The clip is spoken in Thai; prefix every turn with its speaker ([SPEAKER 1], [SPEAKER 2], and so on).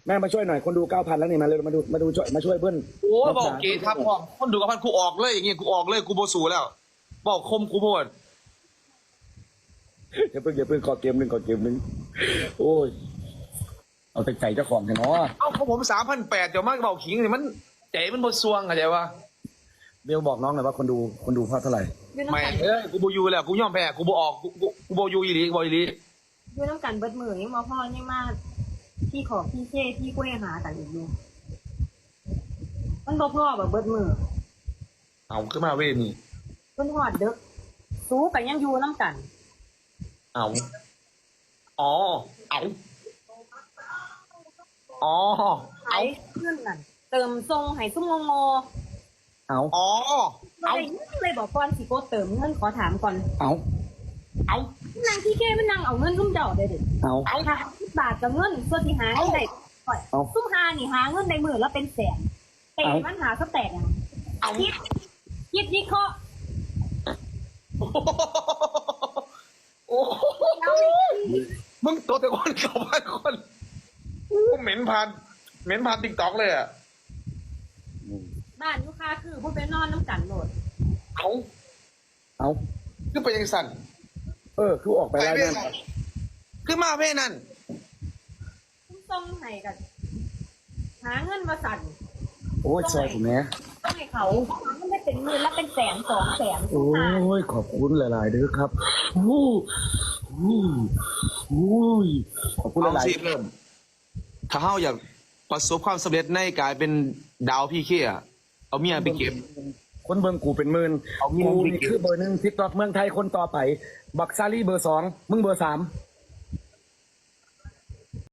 [SPEAKER 1] แม่มาช่วยหน่อยคนดู9,000แล้วนี่มาเลยมาดูช่วยเพื่อน
[SPEAKER 2] โอ้บอกเกย์ครับพ่อคนดูกับพันกูออกเลยอย่างเงี้ยกูออกเลยกูโบสูแล้วบอกคมกูโพด
[SPEAKER 1] อย่าเพิ่งขอเกมหนึ่งโอ้ยเอาแต่ใจเจ้าของเถอะเนาะ
[SPEAKER 2] เอ้าของผม3,800เดี๋ยวมากบอกขิงนี่มันใจมันบดซวงเข้าใจปะ
[SPEAKER 1] เบลบอกน้องหน่อยว่าคนดูเพราะเท่าไหร่
[SPEAKER 3] อยู่
[SPEAKER 2] ไม่
[SPEAKER 3] น้ำกัน
[SPEAKER 2] กูโบอยูแล้วกูยอมแพ้กูโบออกกูโบอยูอีหลีกูบออีหลี
[SPEAKER 3] อยู่น้ำกันเบิดมือยังมาพ่อยังมาพี่ขอพี่เช่พี่กุ้ยหากันอีกอยู่มันบ่พ่อแบบเบิดมือ
[SPEAKER 2] เอาขึ้นมาเว้ยนี่
[SPEAKER 3] เพิ่นหอดเด็กสู้กันยังอยู่น้ำกัน
[SPEAKER 2] เอาอ๋อเอาอ๋อ
[SPEAKER 3] ไอ้เพื่อนนั่นเติมทรงให้ซุ่มงง
[SPEAKER 1] เอา
[SPEAKER 2] อ๋อ
[SPEAKER 3] ๆอะไรเลยบอกก่อนสิโกเติมเงินขอถามก่อน
[SPEAKER 1] เอา
[SPEAKER 2] เอา
[SPEAKER 3] นางพี่เก้มันนางเอาเงินซุ่มเจ้าได้เด็ด
[SPEAKER 1] เอา
[SPEAKER 3] เอาค่ะ10 บาทกับเงินส่วนที่หาเงินได้ก่อน
[SPEAKER 1] เอา
[SPEAKER 3] ซุ่มหานี่หาเงินในมือแล้วเป็นแสนแต่มันหาสักแตกอ่ะ
[SPEAKER 2] เอา
[SPEAKER 3] คิดวิเคราะห์
[SPEAKER 2] โอ้โห
[SPEAKER 3] แล้วไม่
[SPEAKER 2] มึงตัวแต่คนเก่าพันคนกูเหม็นผ่านติ๊กต็อกเลยอ่ะ
[SPEAKER 3] บ้านลูกค้าคือพูดไปนอนน้ำกันโหลด
[SPEAKER 2] เอา
[SPEAKER 1] เอา
[SPEAKER 2] ขึ้นไปยังสั่น
[SPEAKER 1] คือออกไปแล้วนั่น
[SPEAKER 2] ขึ้นมาเพ่นั่น
[SPEAKER 3] ซุ่มทรงให้กันหาเงินมาสั่น
[SPEAKER 1] โอ้ยซอยผมแม่
[SPEAKER 3] ต้องให้เขามันไม่เป็นหมื่นแล้วเป็นแสน2 แสน
[SPEAKER 1] โอ้ยขอบคุณหลายๆเด้อครับโอ้ยขอบคุณห
[SPEAKER 2] เอา
[SPEAKER 1] ลาย
[SPEAKER 2] สิเริ่มถ้าเฮาอยากประสบความสำเร็จในการเป็นดาวพี่เคียเอาเมียไปเก็บ
[SPEAKER 1] ๆคนเบิ่งกูเป็นหมื่น
[SPEAKER 2] เอาเมีย
[SPEAKER 1] กู
[SPEAKER 2] ไป
[SPEAKER 1] นี่
[SPEAKER 2] เก็บ
[SPEAKER 1] คือเบอร์ 1 TikTok เมืองไทยคนต่อไปบักซารี่เบอร์ 2มึงเบอร์ 3